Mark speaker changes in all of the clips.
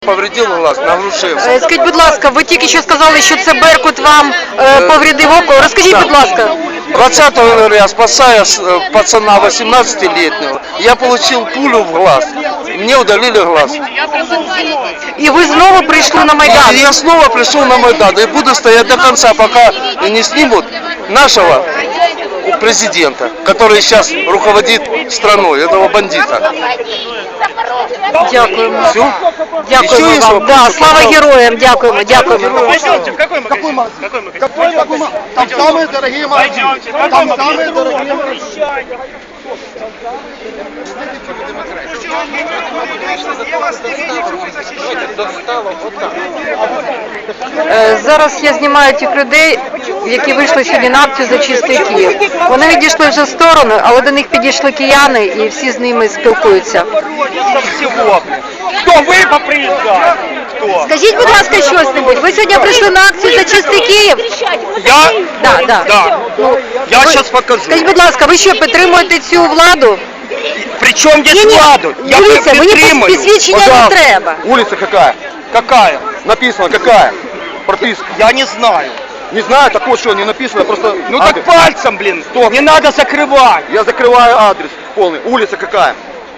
Speaker 1: Повредив глаз на Грушевського.
Speaker 2: Скажіть, будь ласка, ви тільки що сказали, що це Беркут вам повредив око. Розкажіть, будь ласка.
Speaker 1: 20 января, спасая пацана 18-летнего, я получил пулю в глаз. Мне удалили глаз.
Speaker 2: І ви знову прийшли на Майдан?
Speaker 1: Я снова пришел на Майдан и буду стоять до конца, пока не снимут нашего президента, который сейчас руководит страной, этого бандита.
Speaker 2: Дякуємо.
Speaker 1: Все?
Speaker 2: Дякуємо
Speaker 1: Еще есть
Speaker 2: вам.
Speaker 1: вопросы?
Speaker 2: Да, слава героям, дякуємо, дякуємо.
Speaker 3: Пойдемте, в какой магазин? Какой магазин? Там самые дорогие магазины. Там самые дорогие магазины.
Speaker 2: Зараз я знімаю тих людей, які вийшли сьогодні на акцію за чистий Київ. Вони відійшли вже в сторону, але до них підійшли кияни і всі з ними спілкуються.
Speaker 3: Кто вы поприезжали? Кто?
Speaker 2: Скажіть, будь ласка, щось-небудь. Ви сьогодні прийшли на акцію за чистий Київ?
Speaker 3: Я?
Speaker 2: Да.
Speaker 3: Да. Я
Speaker 2: Ви-
Speaker 3: сейчас покажу.
Speaker 2: Скажіть, будь ласка, ви що, підтримуєте цю владу?
Speaker 3: Причем здесь
Speaker 2: Ні-ні,
Speaker 3: владу? Я
Speaker 2: дивіться, мені
Speaker 3: підтримую.
Speaker 2: посвідчення не треба.
Speaker 4: Улица какая?
Speaker 3: Какая?
Speaker 4: Написано какая? Прописка.
Speaker 3: Я не знаю.
Speaker 4: Не знаю, так вот что, не написано, просто
Speaker 3: Ну
Speaker 4: адрес.
Speaker 3: так пальцем, блин. Не надо закрывать.
Speaker 4: Я закрываю адрес полный. Улица какая?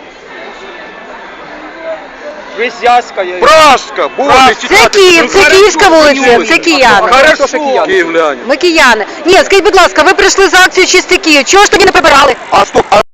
Speaker 3: Вязьская.
Speaker 4: Пражская. Боже,
Speaker 2: Це Київ, це Київська вулиця, це кияни.
Speaker 3: Хорошо.
Speaker 4: Киевляне.
Speaker 2: Ми кияни. Ні, скажіть, будь ласка, ви прийшли за акцію чистий Київ. Чого ж тоді не прибирали?
Speaker 4: А что?